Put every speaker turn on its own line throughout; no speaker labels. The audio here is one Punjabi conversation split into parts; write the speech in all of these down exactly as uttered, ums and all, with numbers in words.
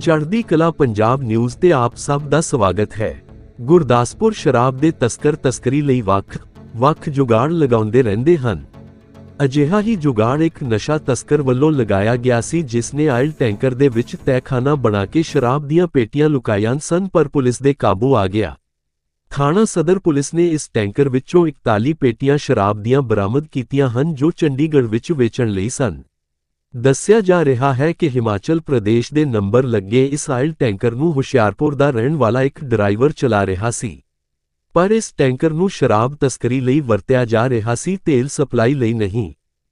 ਚੜ੍ਹਦੀ ਕਲਾ ਪੰਜਾਬ ਨਿਊਜ਼ ਤੇ ਆਪ ਸਭ ਦਾ ਸਵਾਗਤ ਹੈ। ਗੁਰਦਾਸਪੁਰ ਸ਼ਰਾਬ ਦੇ ਤਸਕਰ ਤਸਕਰੀ ਲਈ ਵੱਖ ਵੱਖ ਜੁਗਾੜ ਲਗਾਉਂਦੇ ਰਹਿੰਦੇ ਹਨ। ਅਜਿਹਾ ਹੀ ਜੁਗਾੜ ਇੱਕ ਨਸ਼ਾ ਤਸਕਰ ਵੱਲੋਂ ਲਗਾਇਆ ਗਿਆ ਸੀ, ਜਿਸ ਨੇ ਆਇਲ ਟੈਂਕਰ ਦੇ ਵਿੱਚ ਤਹਿਖਾਨਾ ਬਣਾ ਕੇ ਸ਼ਰਾਬ ਦੀਆਂ ਪੇਟੀਆਂ ਲੁਕਾਈਆਂ ਸਨ, ਪਰ ਪੁਲਿਸ ਦੇ ਕਾਬੂ ਆ ਗਿਆ। ਥਾਣਾ ਸਦਰ ਪੁਲਿਸ ਨੇ ਇਸ ਟੈਂਕਰ ਵਿੱਚੋਂ ਇਕਤਾਲੀ ਪੇਟੀਆਂ ਸ਼ਰਾਬ ਦੀਆਂ ਬਰਾਮਦ ਕੀਤੀਆਂ ਹਨ, ਜੋ ਚੰਡੀਗੜ੍ਹ ਵਿੱਚ ਵੇਚਣ ਲਈ ਸਨ। ਦੱਸਿਆ ਜਾ ਰਿਹਾ ਹੈ ਕਿ ਹਿਮਾਚਲ ਪ੍ਰਦੇਸ਼ ਦੇ ਨੰਬਰ ਲੱਗੇ ਇਸ ਆਇਲ ਟੈਂਕਰ ਨੂੰ ਹੁਸ਼ਿਆਰਪੁਰ ਦਾ ਰਹਿਣ ਵਾਲਾ ਇੱਕ ਡਰਾਈਵਰ ਚਲਾ ਰਿਹਾ ਸੀ, ਪਰ ਇਸ ਟੈਂਕਰ ਨੂੰ ਸ਼ਰਾਬ ਤਸਕਰੀ ਲਈ ਵਰਤਿਆ ਜਾ ਰਿਹਾ ਸੀ, ਤੇਲ ਸਪਲਾਈ ਲਈ ਨਹੀਂ।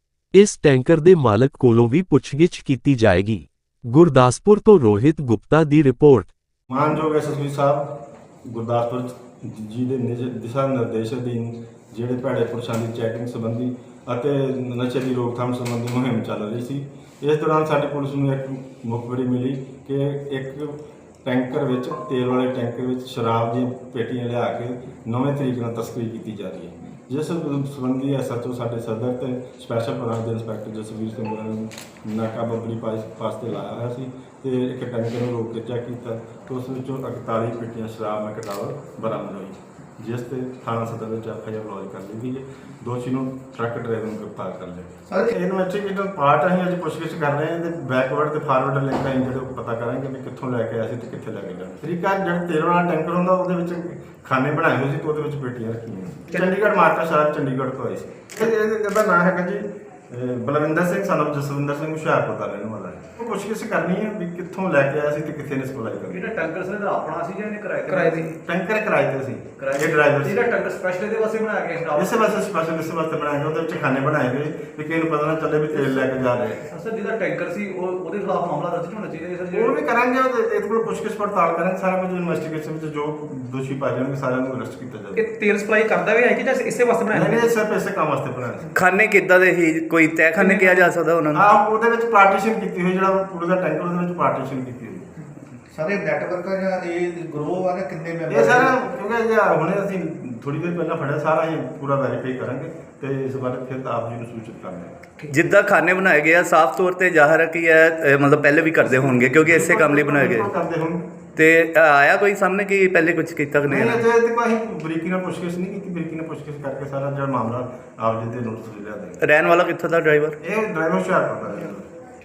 ਇਸ ਟੈਂਕਰ ਦੇ ਮਾਲਕ ਕੋਲੋਂ ਵੀ ਪੁੱਛਗਿੱਛ ਕੀਤੀ ਜਾਏਗੀ। ਗੁਰਦਾਸਪੁਰ ਤੋਂ ਰੋਹਿਤ ਗੁਪਤਾ ਦੀ ਰਿਪੋਰਟ।
ਮਾਨਯੋਗ ਐਸਐਸਪੀ ਸਾਹਿਬ ਗੁਰਦਾਸਪੁਰ ਜੀ ਦੇ ਦਿਸ਼ਾ ਨਿਰਦੇਸ਼ ਅਧੀਨ ਜਿਹੜੇ ਭੈੜੇ ਪੁਰਸ਼ਾਂ ਦੀ ਚੈਕਿੰਗ ਸੰਬੰਧੀ ਅਤੇ ਨਸ਼ੇ ਦੀ ਰੋਕਥਾਮ ਸੰਬੰਧੀ ਮੁਹਿੰਮ ਚੱਲ ਰਹੀ ਸੀ। ਇਸ ਦੌਰਾਨ ਸਾਡੀ ਪੁਲਿਸ ਨੂੰ ਇੱਕ ਮੁਖਬਰੀ ਮਿਲੀ ਕਿ ਇੱਕ ਟੈਂਕਰ ਵਿੱਚ ਤੇਲ ਵਾਲੇ ਟੈਂਕਰ ਵਿੱਚ ਸ਼ਰਾਬ ਦੀਆਂ ਪੇਟੀਆਂ ਲਿਆ ਕੇ ਨਵੇਂ ਤਰੀਕੇ ਨਾਲ ਤਸਕਰੀ ਕੀਤੀ ਜਾ ਰਹੀ ਹੈ, ਜਿਸ ਸੰਬੰਧੀ ਐਸਐਚਓ ਸਾਡੇ ਸਦਰ ਤੇ ਸਪੈਸ਼ਲ ਬ੍ਰਾਂਚ ਦੇ ਇੰਸਪੈਕਟਰ ਜਸਵੀਰ ਸਿੰਘ ਹੋਰਾਂ ਨੇ ਨਾਕਾਬੰਦੀ ਪਾਸ ਤੇ ਲਾਇਆ ਹੋਇਆ ਸੀ ਤੇ ਇੱਕ ਟੈਂਕਰ ਨੂੰ ਰੋਕ ਕੇ ਚੈੱਕ ਕੀਤਾ ਤਾਂ ਉਸ ਵਿੱਚੋਂ ਇਕਤਾਲੀ ਪੇਟੀਆਂ ਸ਼ਰਾਬ ਦਾ ਕਟਾਵਰ ਬਰਾਮਦ ਹੋਈ, ਜਿਸ ਤੇ ਥਾਣਾ ਸਦਰ ਵਿੱਚ ਐਫ ਆਈ ਆਰ ਲੌਜ ਕਰ ਲਈ ਗਈ ਹੈ। ਦੋਸ਼ੀ ਨੂੰ ਟਰੱਕ ਡਰਾਈਵਰ ਨੂੰ ਗ੍ਰਿਫਤਾਰ ਕਰ ਲਿਆ। ਸਰ ਇਨਵੈਸਟੀਗੇਟਰ ਪਾਰਟ ਅਸੀਂ ਅੱਜ ਪੁੱਛਗਿੱਛ ਕਰ ਰਹੇ ਹਾਂ ਤੇ ਬੈਕਵਰਡ ਤੇ ਫਾਰਵਰਡ ਲਿੰਕ ਅਸੀਂ ਜਿਹੜੇ ਪਤਾ ਕਰਾਂਗੇ ਵੀ ਕਿੱਥੋਂ ਲੈ ਕੇ ਆਏ ਸੀ ਤੇ ਕਿੱਥੇ ਲੈ ਕੇ ਜਾਣਾ। ਤਰੀਕਾ ਜਿਹੜਾ ਤੇਲ ਵਾਲਾ ਟੈਂਕਰ ਹੁੰਦਾ ਉਹਦੇ ਵਿੱਚ ਖਾਨੇ ਬਣਾਏ ਹੋਏ ਸੀ ਤੇ ਉਹਦੇ ਵਿੱਚ ਪੇਟੀਆਂ ਰੱਖੀਆਂ ਸੀ। ਚੰਡੀਗੜ੍ਹ ਮਾਰਕਾ ਸ਼ਰਾਬ ਚੰਡੀਗੜ੍ਹ ਤੋਂ ਆਈ ਸੀ। ਇਹਦਾ ਨਾਮ ਹੈਗਾ ਜੀ ਬਲਵਿੰਦਰ ਸਿੰਘ ਸਨ ਆਫ ਜਸਵਿੰਦਰ ਸਿੰਘ ਹੁਸ਼ਿਆਰਪੁਰ ਦਾ ਰਹਿਣ ਵਾਲਾ ਹੈ। ਉਹ ਪੁੱਛਗਿੱਛ ਕਰਨੀ ਹੈ ਵੀ ਕਿੱਥੋਂ ਲੈ ਕੇ ਆਇਆ ਸੀ ਤੇ ਕਿੱਥੇ ਨੇ ਸਪਲਾਈ ਕਰਨੀ।
ਜਿਹੜਾ ਟੈਂਕਰ ਸੀ ਇਹਦਾ ਆਪਣਾ ਸੀ ਜਾਂ ਇਹਨੇ ਕਿਰਾਏ
ਕਿਰਾਏ ਤੇ ਟੈਂਕਰ ਕਿਰਾਏ ਤੇ ਸੀ। ਇਹ ਡਰਾਈਵਰ
ਜਿਹੜਾ ਟੈਂਕਰ ਸਪੈਸ਼ਲ ਇਹਦੇ ਵਾਸਤੇ ਬਣਾਇਆ ਗਿਆ ਸਟਾਫ
ਇਸੇ ਵਾਸਤੇ ਸਪੈਸ਼ਲ ਇਸੇ ਵਾਸਤੇ ਬਣਾਇਆ ਗਿਆ। ਉਹਦੇ ਵਿੱਚ ਖਾਨੇ ਬਣਾਏ ਗਏ ਵੀ ਕਿਸੇ ਨੂੰ ਪਤਾ ਨਾ ਚੱਲੇ ਵੀ ਤੇਲ ਲੈ ਕੇ ਜਾ ਰਹੇ।
ਸਰ ਜਿਹਦਾ ਟੈਂਕਰ ਸੀ ਉਹ ਉਹਦੇ ਖਿਲਾਫ ਮਾਮਲਾ ਦਰਜ ਹੋਣਾ ਚਾਹੀਦਾ ਸਰ।
ਉਹ ਵੀ ਕਰਾਂਗੇ, ਇਹਦੇ ਕੋਲ ਪੁੱਛਗਿੱਛ ਪੜਤਾਲ ਕਰਾਂਗੇ, ਸਾਰਾ ਕੁਝ ਇਨਵੈਸਟੀਗੇਸ਼ਨ ਵਿੱਚ ਜੋ ਦੋਸ਼ੀ ਪਾਏ ਜਾਣਗੇ ਸਾਰਿਆਂ ਨੂੰ ਅਰੈਸਟ ਕੀਤਾ ਜਾਵੇਗਾ।
ਇਹ ਤੇਲ ਸਪਲਾਈ ਕਰਦਾ ਵੀ ਹੈ ਕਿ ਜਾਂ ਇਸੇ ਵਾਸਤੇ ਬਣਾਇਆ
ਨਹੀਂ, ਸਿਰਫ ਇਸੇ ਕੰਮ ਵਾਸਤੇ ਬਣਾਇਆ ਸੀ।
ਖਾਨੇ ਕਿੱਦਾਂ ਦੇ ਹੀ ਕੋਈ ਤਹਿਖਾਨੇ ਕਿਹਾ ਜਾ ਸਕਦਾ ਉਹਨਾਂ ਨੂੰ?
ਹਾਂ, ਉਹਦੇ ਵਿੱਚ ਪਾਰਟੀਸ਼ਨ ਕੀਤੀ ਹੋਈ, ਜਿਹੜਾ ਪੂਰੇ ਦਾ ਟੈਂਕਰ ਉਹਦੇ ਵਿੱਚ ਪਾਰਟੀਸ਼ਨ ਕੀਤੀ ਹੋਈ।
ਸਾਰੇ ਨੈਟਵਰਕ ਆ ਜਾਂ ਇਹ ਗਰੋਹ ਆ ਨਾ, ਕਿੰਨੇ ਮੈਂਬਰ?
ਇਹ ਸਾਰਾ ਕਿਉਂਕਿ ਜੇ ਹੁਣੇ ਅਸੀਂ ਥੋੜੀ ਦੇਰ ਪਹਿਲਾਂ ਫੜਿਆ, ਸਾਰਾ ਹੀ ਪੂਰਾ ਵੈਰੀਫਾਈ ਕਰਾਂਗੇ ਤੇ ਇਸ ਬਾਰੇ ਫਿਰ ਆਪ ਜੀ ਨੂੰ ਸੂਚਿਤ ਕਰਾਂਗੇ।
ਜਿੱਦਾਂ ਖਾਨੇ ਬਣਾਏ ਗਏ ਆ, ਸਾਫ਼ ਤੌਰ ਤੇ ਜ਼ਾਹਰ ਹੈ ਕਿ ਇਹ ਮਤਲਬ ਪਹਿਲੇ ਵੀ ਕਰਦੇ ਹੋਣਗੇ ਕਿਉਂਕਿ ਇਸੇ ਕੰਮ ਲਈ ਬਣਾਏ ਗਏ
ਕਰਦੇ ਹੋਣ।
ਤੇ ਆਇਆ ਕੋਈ ਸਾਹਮਣੇ ਕਿ ਪਹਿਲੇ ਕੁਝ ਕੀਤਾ ਕਿ ਨਹੀਂ?
ਨਹੀਂ, ਅਜੇ ਤੱਕ ਅਸੀਂ ਬਰੀਕੀ ਨਾਲ ਪੁੱਛਗਿੱਛ ਨਹੀਂ ਕੀਤੀ। ਬਰੀਕੀ ਨਾਲ ਪੁੱਛਗਿੱਛ ਕਰਕੇ ਸਾਰਾ ਜਿਹੜਾ ਮਾਮਲਾ ਆਪ ਜੀ ਦੇ ਨੋਟਿਸ ਲਿਆ ਦੇ।
ਰਹਿਣ ਵਾਲਾ ਕਿੱਥੋਂ ਦਾ ਡਰਾਈਵਰ?
ਇਹ ਡਰਾਈਵਰ ਹੁਸ਼ਿਆਰਪੁਰ ਦਾ ਹੈ।